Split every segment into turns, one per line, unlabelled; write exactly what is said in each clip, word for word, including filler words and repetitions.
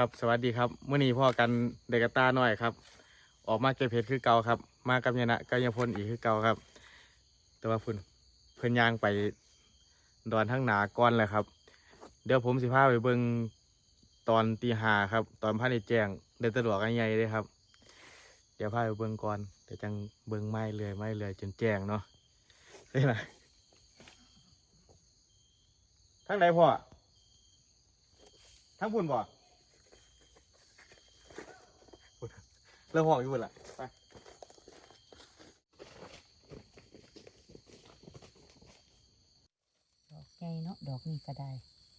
ครับสวัสดีครับเมื่อนี้พ่อกันเด็กกตาหน่อยครับออกมาเก็บเห็ดคือเก่าครับมากับยานะกับยาพลอีกคือเก่าครับแต่ว่าเพิ่นเพิ่นย่างไปดอนทั้งหนาก้อนเลยครับเดี๋ยวผมสิพาไปเบิ่งตอนตีห้าครับตอนพระในแจ้งเดินตะหลวกใหญ่เลยครับเดี๋ยวพาไปเบิ่งก่อนเดี๋ยวจังเบิ่งไม้เลยไม้เลยจนแจ้งเนาะใช่ไหมทั้งไหนพ่อทั้งพุ่นบ่เริ่มห่วงอยู่ละไป
ดอกใหญ่เนาะดอกนี้ก็ได้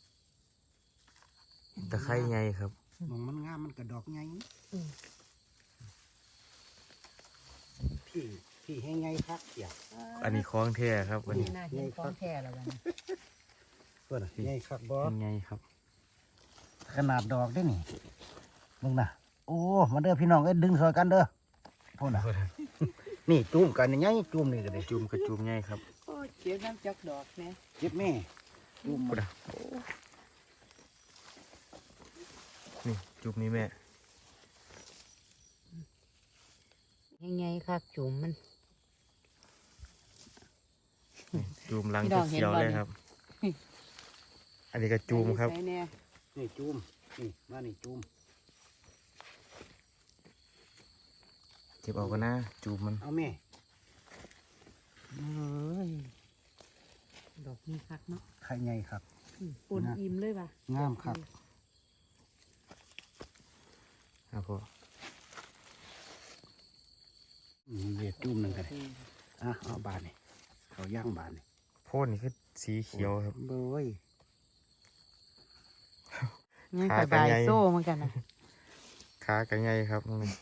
ตะไคร้ไงครับ
มองมันงามมันกระดอกไง
อืม
พี่พี่ให้ไงครับเสีย
อันนี้คล้องแท้ครับวันนี้
น่าเห็นของแท้แล้ววันนี้
เพื่อนไงครับบอ
เป็นไงครับ
ขนาดดอกได้นี่มึงนะโอ้มาเด้อพี่น้องเอ้ยดึงซอยกันเด้อพูดนะนี่จุ่มกันยังไงจุ่มนี่ก็ได้
จุ่มกระจุ่มไงครับ
โอ้เจ็บน้ำจักดอกแม่
เจ็บแม่จุ่ม
พูดนะนี่จุ่มนี่แม่
ยังไงค่ะจุ่มมัน
นี่จุ่มลัง
พี่น้องเห็น
เขียว
บ่
ๆเลยครับ อันนี้กระจุ่มครับ
ใส่แน่
นี่จุ่มนี่มานี่จุ่ม
เก็บเอากันนะจุ่มมัน
เอาแม่
เอ้ยดอกนี้คักเนาะ
ใครไงครับ
อืมปนอิ่มเลยป่ะ
งามครับ
ครับพ่อ
อืมเดี๋ยวจุ่มหนึ่งกันเลยอ่ะเอาบานนี่เขาย่างบานนี่
โพดนี่คือสีเขียวครับ
เบย
ยัง
ขา
ส
กัน
บาย
ใหญ่
โซ่เหมือนกันนะ
ขากันไงครับตรงนี้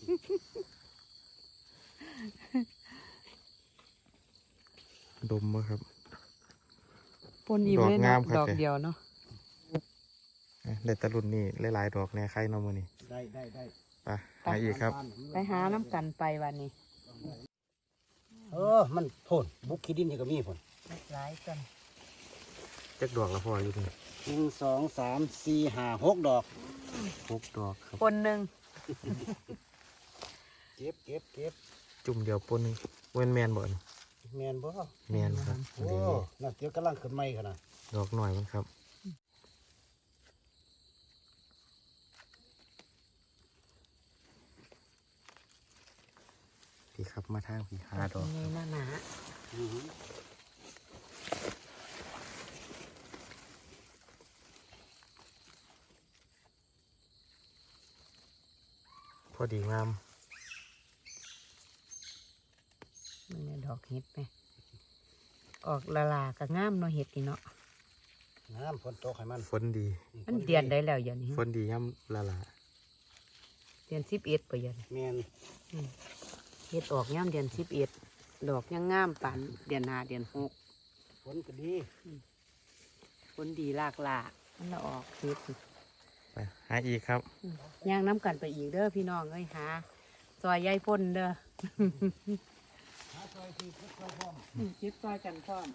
ดมบ่ครับ
ปนอิ่มเลย
ดอกงา
เนาะ
มครับ
ดอกเดียวเนาะ
เด็ดตะลุนนี่หลายๆดอกแน่ไข่เนอมือนี่
ได้ได้ได้
ไปหาอีกครับ
ไปหาน้ำกันไปวันนี้
เออมันโผลบุกขี้ดินนี่ก็มีผล
หลายกัน
จักดอกละพ่ออยู่นี่
หนึ่งสองสามสี่ห้าหกดอก
หกดอกครับ
คนหนึ่ง
เก็บเก็บเก็บ
จุ่มเดียวปนหนึงเว้นแมนบ่อน
แมนบ่
แมนครับ
โอ้
ดี
น่าเกี่ยวกำลังขึ้นใหม่ขนาด
ดอกหน่อยมันครับพี่ครับมาทางพี่หาดอก
ยังไงหน้าหนา
อือหือ
พอดีงาม
มันเนี่ยดอกเห็ดไหมออกละลากับงามเนาะเห็ดนี่เนาะ
น้ำฝนตกให้มัน
ฝนดี
มันเดือนได้แล้วอย่างนี้
ฝนดีย่ำละละ
เดือนสิบเอ็ดไปยัน
แมน
เห็ดออกย่ำเดือนสิบเอ็ดดอกยังงามปานเดือนห้าเดือนหก
ฝนก็ดี
คนดีลากลามันละออกเห็ด
ไปหาอีกครับ
ย่างน้ำกันไปอีกเด้อพี่น้องเอ้ยหาซอยยายพ่นเด้อ
หาซอยที่พุทธพร้อม
คิดซอยกันพร้อม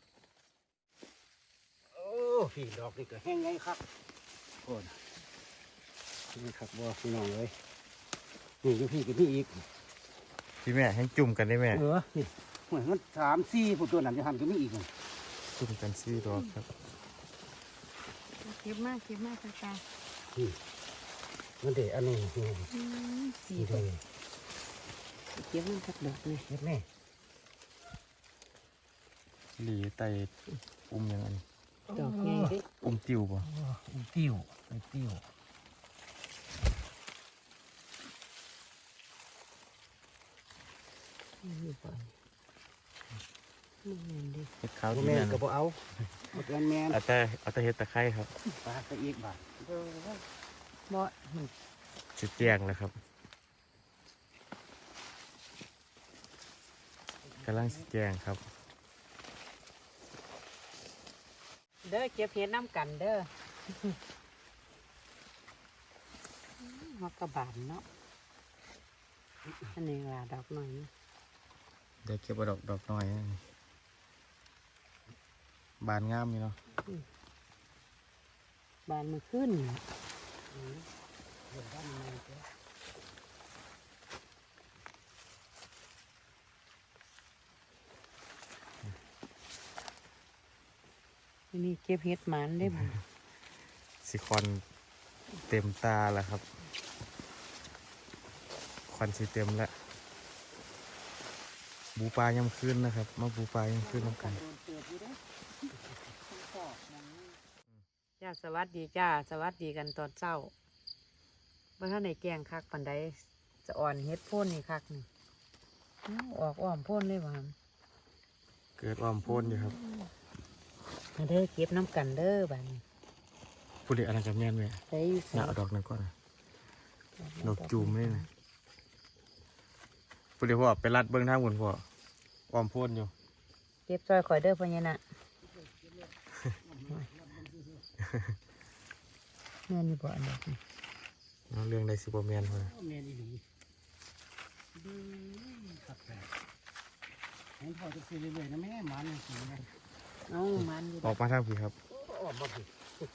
โอ้พี่ดอกนี่ก็แห้งไงครับโอ้นะนี่ครับบ่พี่น้องเลยนี่อยู่พี่กับพี่อีก
พี่แม่ให้จุ่มกันได้แม่
เออนี่เหมือนมันสามสี่ผู้ตัวนั้นจะหันก็มีอีกนี่
จุ่มกันซี่ดอกครับ
เก็บมากเก็บมากตาตา
นี่มันเด็อันนี้นี่
สี
นี่
เก็
เลย
บมันสักดอกเลย
เฮ็ดแม่
หลีไตอุ้มยังไง
ดอกใหญ่เด้
อุ้มติวป่ะ
อุ้ยติ้วอุ้ยติ้ว
อยู่บ่อนมันเงินดิ
เห็ดขาว
บ่
ที่
แม่
แม่
น
น
ก็บ่เอาบ่เกินแม่น
เอาแต่เอาแต่เห็ดตะไคร้ครับ
ปลาไปอีกบาท
บ่
จุดแจ้งแล้วครับกำลังสิแจ้งครับ
เด้อเก็บเห็ดน้ำกันเด้อฮอกกระบาลเนาะอันนี้ว่าดอกหน่อยนะ
เดี๋ยวเก็บเอาดอกดอกน้อยนะบานงามอยู่เนาะ
บานมันขึ้นอืมเดี๋ยวด้านในเจ้านี่เก็บเห็ดหมันได้บ่
สิคอนเต็มตาแล้วครับควันสีเต็มแล้วบูปลายำคืนนะครับ มาบูปลายำคืนน้ำกัน
จ้าสวัสดีจ้าสวัสดีกันตอนเช้าเมื่อท่านในแกงคักปันไดจะอ่อนเฮ็ดโพ่นนี่คักนี่อ้าวออกอ้อมโพ่นเลยว่ะ
เกิดอ้อมโพ้นอยู่ครับ
มาเด้อเก็บน้ำกันเด้อบ้านนี้
พูดเด็กอะไรกับแม่นไหม
ใส่อยู่ใส่
น่าเอาดอกนั้นก่อนนะดอกจูมนี่นะพูดเด็กพ่อไปรัดเบื้องทางบนพ่ออ้อมโพ้นอยู่
เก็บซอยข่อยเด้อพ่อเนี่ยน่ะแม่นอยู่บ่อันดอกนี่
เอาเรื่องใดสิบแมนพ่อ
แม่ดีดีครับแม่เห็นพ่อจะซื้อเรื่อยๆนะแม่หมันสินะ
เอ้ามันอยู่
ออกมาทางพี่ครับ
ออกมาผิด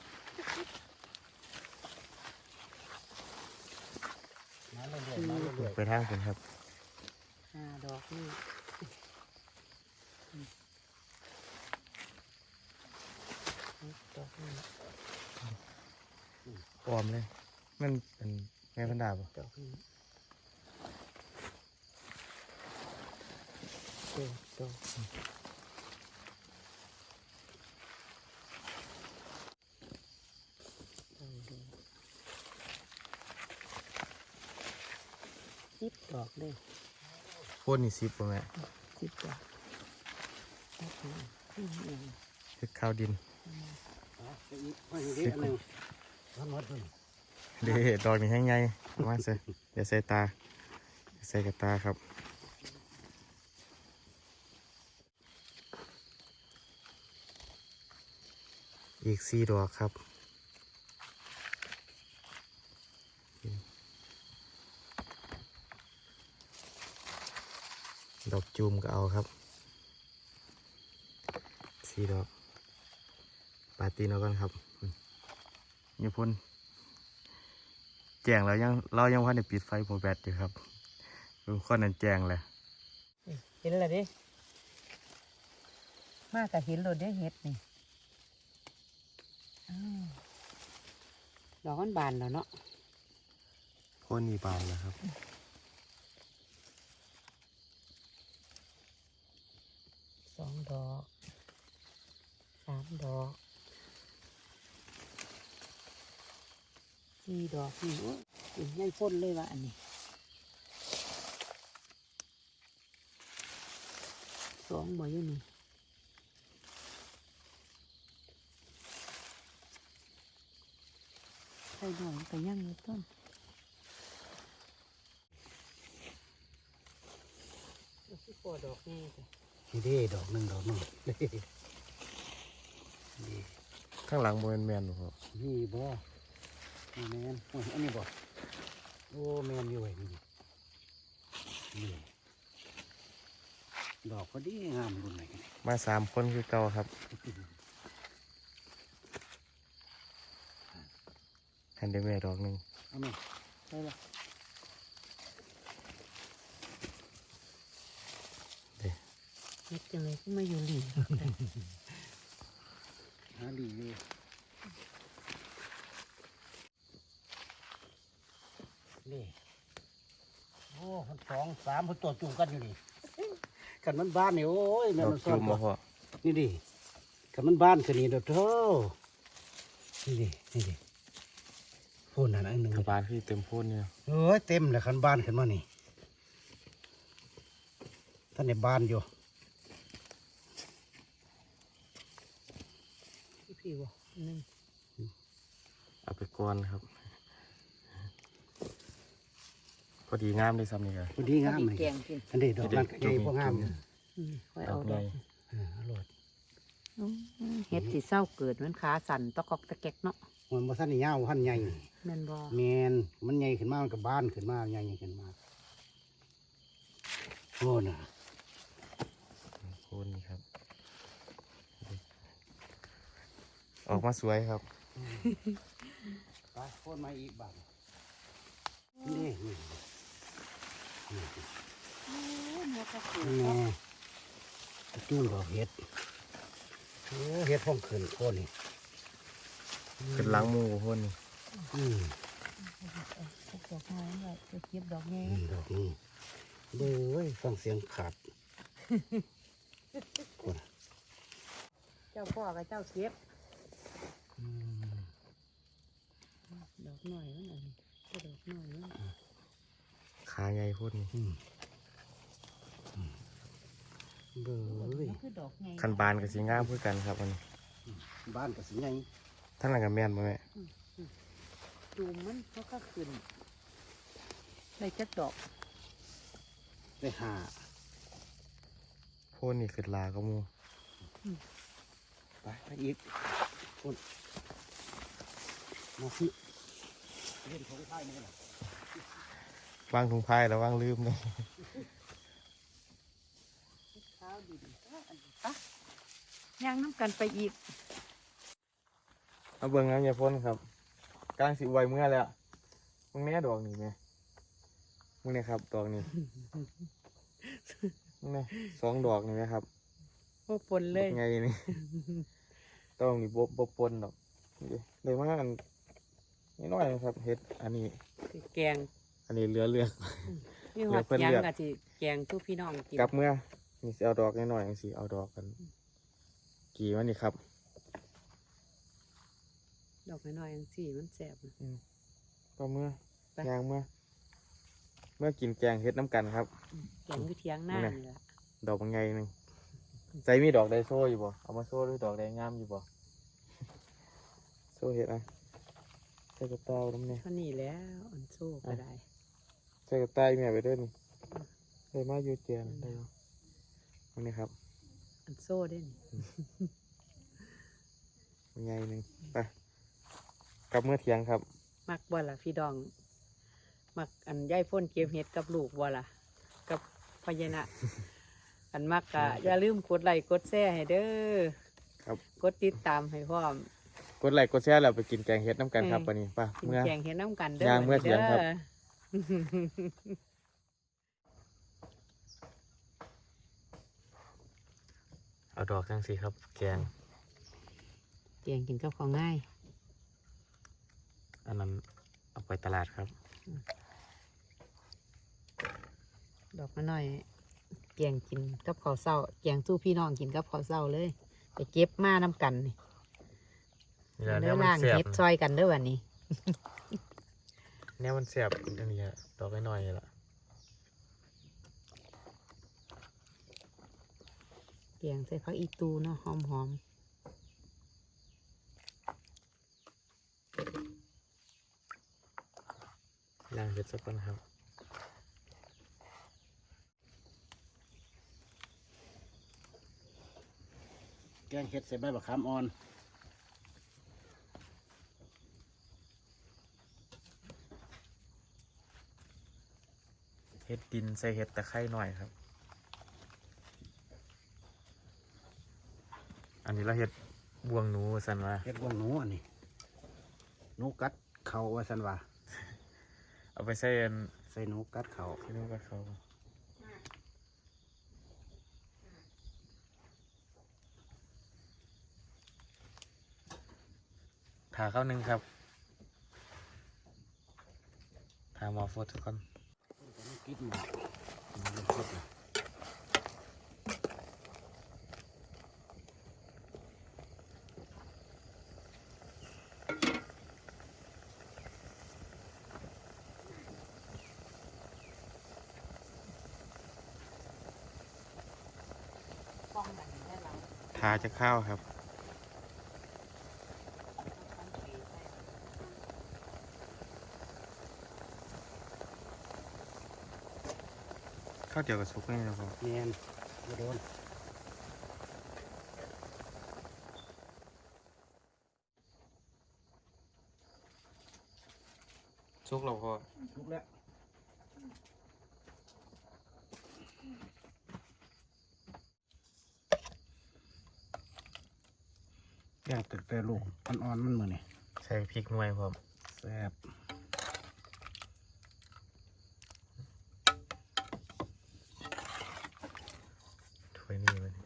มาเรื่อยๆมาเรื่อย
ไปทางผมครับ
ห้าดอกนี่ดอกนี่
อ้อมเลยมันเป็นแม่พันดาบ
ดอกนี้เด็ดดอกสิบดอกเลย
โพ้นนี่สิบป่ะแม่
สิบดอกดอกนี้อืมอืม
เฮ็ดข้าวดิน
ๆเอาไปอีกมาอีกนิดนึงทั้งหมดเลย
เด้ดอกนี่แห้งใหญ่มาใส่อย่าใส่ตาอย่าใส่กับตาครับอีกสี่ดอกครับดอกจูมก็เอาครับสี่ดอกปาตีนเอากันครับนี่พ่นแจ้งแล้วยังเรายังว่าในปิดไฟโปรแบตอยู่ครับดูข้อนั้นแจ้งเลย
เห็นแล้วดิมากกับเห็นโลดได้เห็ดนี่อ้าวดอกมันบานแล้วเนาะ
พ่นนี่บานแล้วครับ
สองดอกสามดอกสี่ดอกนี่โอ้ยกินไม่พ้นเลยว่ะอันนี้สองบ่อยู่นี่ใส่หน่อยก็ยังอยู่ต้นที่ปอดอกนี่จ้ะ
นี่เด้ดอกหนึ่งดอกหนึ่งนี่
ข้างหลังโมเมนแมนบ่
นี่บ่นี่แมนโอ้ยอันนี้บ่โอ้แมนอยู่ไว้นี่นี่ดอกก็ดีงามบุญไหนกัน
มาสามคนคือเก่าครับหันได้แม่ดอกหนึ่ง
เอาไหม
ใช่ปะ
เด้
เฮ็ดจังเลยก็มาอยู่หลี
หาดีอยู่นี่โอ้คนสองสามคนตัวจุ่มกันอยู่นี่กันมันบ้านนี่โอ้ยแม่
ดอก
มันซ่อ
จู
น
ม
บ่
บ่พ่อ
นี่ดิกันมันบ้านกันนี่เด้อเท่านี่ดินี่ดิพูดนั่นอันหนึ่ง
กระบาลพี่เต็มพ่นเนี่ย
เอ้ยเต็มเลยคันบ้านขึ้นมานี่ท่านในบ้านอยู่
พี่พี่บ่อันหนึง
เอาไปก้อนครับ พอดีงามได้ซ้ำนี่ครับ
พอดีงาม
พอ
เล
ดี
ย
แกงกิน
อันนี้ดอกนั้นก็ใหญ่พวกงามอยู่
อืมค่อย
ดอ
เอา
ก
ด
ให
อ
ญ่
ก
เอออร่อย
อืมเฮ็ดสิเศร้าเกิดมันขาสั่นตะกอกตะแกกเนาะ
มันบ่ทันได้ยาวพันใหญ่
แม่นบ่
แมนมันใหญ่ขึ้นมามันก็บ้านขึ้นมาใหญ่ขึ้นมาโอ้น่ะ
พ่นนี่ครับ ออกมาสวยครับ
ไปโค่นมาอีกบาทนี่นี่นี่
โอ้หัวกระสุน
นี่จุ่มดอกเห็ดโอ้เห็ดพ่องขึ้นโค่นนี่
ขึ้นหล้างหมูพ่นนี่
อืม
พวกดอกไม้ไว้จะเก็บดอกแง่
นี่ดอกนี้เบ้ยฟังเสียงขาดคน
เจ้าพ่อกับเจ้าเก็บ
อืม
ดอกหน่อยนั่นเองก็ดอกหน่อยนั่น
ขาใหญ่พ่นนี่
อืมอืมเบ้ย
มันคือดอกแง่
คันบานกับสีงามเพื่อกันครับอันนี้
บ้านกับสิไง
ทั้งนั้นกับแม่นบ่แม่
จูมมันเขาก็ขึ้นได้จักดอก
ได้หา
พ่นนี่ขึ้นลาก็มู
ไปไปอีกคนมาสิเล่นของไทยนี่แหละ
วางถุงพายแล้ววางลืมเลย
เท้าดีดีอันนี้ปะย่างน้ำกันไปอีก
เอาเบิ่งน้ำยาพ่นครับกลางสิไวเมื่อแล้วมึงแน่ดอกนี่ไหมมึงเนี่ยครับดอกนี้มึงเนี่ยสองดอกนี่ไหมครับ
พวกฝนเลย
ไงนี่ ต้องมีบบบบปนดอกนี่เลยว่าอันนี่น้อยนะครับเฮ็ดอันนี้
สิแกง
อันนี้เหลือเลือก
นี่ห
เดี๋
อ
ยว
ด
เพิ่น
ยัง
เลือก
กะสิแกงทุกพี่น้องกิน
กลับเมื่อนี่สิเอาดอกน้อยๆจังสิเอาดอกกัน กี่วันนี่ครับ
ดอกน้อยๆอย่างสี่มันแสบนะ
ก็เมื่อ
ไป
ยางเมื่อ เมื่อกินแกงเฮ็ดน้ำกันครับ
แกงอยู่เทียงหน้านี่แหละ
ดอกบางไงหนึ่งใจมีดอกไดโซ่อยู่บ่เอามาโซ่ด้วยดอกไดงามอยู่บ่ โซ่เฮ็ดอ่ะใส่กระต่ายน้ำเนี่ย
เท่านี้แล้วอันโซ่ก็ได้
ใส่กระต่ายแม่ไปเด้วยนี่ได้มาอยู่เจียนได้บ่อันนี้ครับ
อันโซ่ได้นี่
บางไงหนึ่งไปกลับเมื่อเที่ยงครับ
มักบ่ล่ะพี่ดอง มักอันย่ายพ่นเก็บเห็ดกับลูกบ่ล่ะกับพญานะ อันมักกะอย่าลืมกดไลค์กดแชร์ให้เด้อ
ครับ
กดติดตามให้พร้อม
กดไลค์กดแชร์แล้วไปกินแกงเฮ็ดน้ำกันครับ
เออ
วันนี้ไป่ะ
กิน
เมื่อ
แกงเห็ดน้ำกันเด้อย่าง
เมื่อเที่ยงครับ
ด้อ
เอาดอกจังสิครับ แกง
แกงกินกับของง่าย
อันนั้นเอาไปตลาดครับ
ดอกมาหน่อยแกงกินกับข้าวเศร้าแกงสู้พี่น้องกินกับข้าวเศร้าเลย ไปเก็บมาน้ำกันนี่
นี่แหละ
เด้
แน
อ
วมัน
ล่าง
แซ่บ
เฮ็ดซอยกันเด้อวันนี้
แนวมันแซ่บอันนี้อะดอกน้อยๆนี่ล่ะ
แกงใส่ผักอีตูเนาะหอมหอม
ย่างเฮ็ดสักก่อนครับ
แกงเห็ดใส่ใบบักขามอ่อน
เฮ็ดดินใส่เฮ็ดตะไคร้หน่อยครับ อันนี้เราเฮ็ดบวงหนูสันว่า
เห็ดว่างหนูอันนี้หนูกัดเข่าว่าสันว่า
เอาไปใส่อัน
ใส่หนูกัดเข่า
ที่นู้นกับเขาถาเข้าหนึ่งครับถาหมอโฟดทุกคน
กินหมามันเป็นสดเลย
ทาจะข้าวครับ ข้าวเจียวกับซุปนี่นะครับ
เนียนไม่โดน
ซุกเราพอ
ลุกแล้วย่างตึกแต่ลูกอ่อนๆมันมือนี่
ใส่พริกหน่วยพร้อม
ใส่ซ่บ
ถ้วยนี้มัน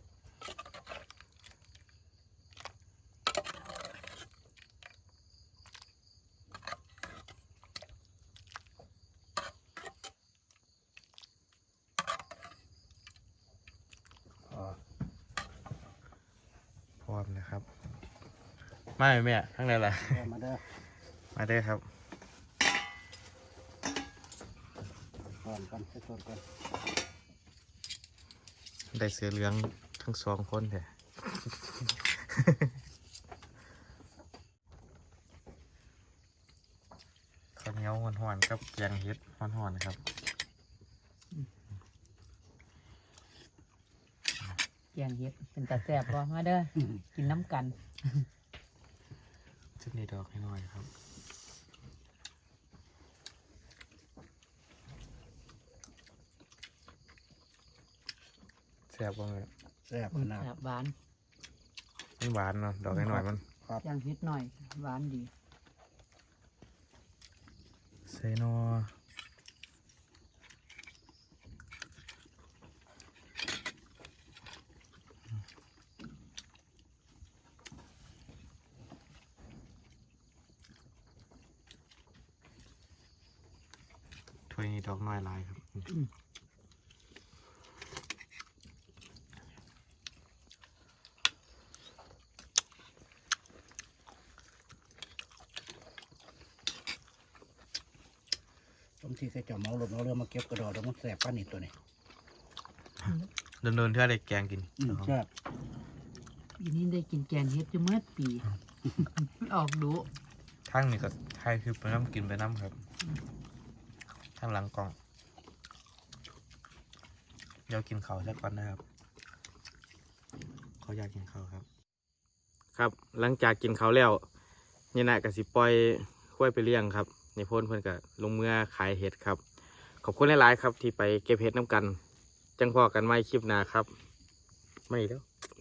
พอ
พร้อมนะครับมาไหมแม่ข้างในล่ะ
เด้อมาเด้อ
มาได้อครับ
ก่อนก่อนไปสดก่อน
ได้เสือเหลืองทั้งสองคนแท้ ข้าวเหนียวห่อนๆกับแกงเห็ดห่อนๆครับ
แกงเห็ดเป็นตาแซ่บบ่มาเด้อกินน้ำกัน
ชุดนี้ดอกให้หน่อยครับแซ่บบ้างเลย
แซ่บขนาด
แซ่บหวาน
มันหวานเนาะดอกให้หน่อยมัน
ครับ
แกงเห็ดหน่อยหวานดี
เซโนถ้วยนี้ดอกน้อยหลายครับ
บางทีก็จะเมาลมเอาเรือมาเก็บกระดอกแล้วมันแซ่บป้านนี่ตัวนี้
เดินๆเท่าได้แกงกิน
อืมแซ่บ
ปีนี้ได้กินแกงเห็ดอยู่เมื่อปี ออกดู
ทั้งนี่ก็ไทยคือไปน้ำกินไปน้ำครับทั้งหลังกล่องเดี๋ยวกินข้าวสักก่อนนะครับเขาอยากกินข้าวครับ ครับหลังจากกินข้าวแล้วเนี่ยนะกับสิปล่อยคุ้ยไปเลี้ยงครับในพ่นเพื่อนกับลงเมื่อขายเห็ดครับ ขอบคุณหลายๆครับที่ไปเก็บเห็ดน้ำกัน จังพอกันไม่คลิปหนาครับ ไม่แล้ว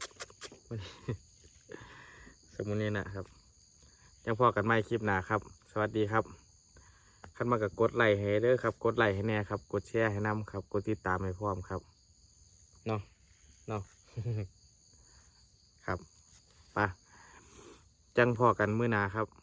สมุนนี้นะครับจังพอกันไม่คลิปหนาครับ สวัสดีครับขั้นมากับกดไลค์ให้เด้อครับ กดไลค์ให้แน่ครับ กดแชร์ให้นำครับ กดติดตามให้พร้อมครับเนาะเนาะ ครับไปจังพอกันมื้อหนาครับ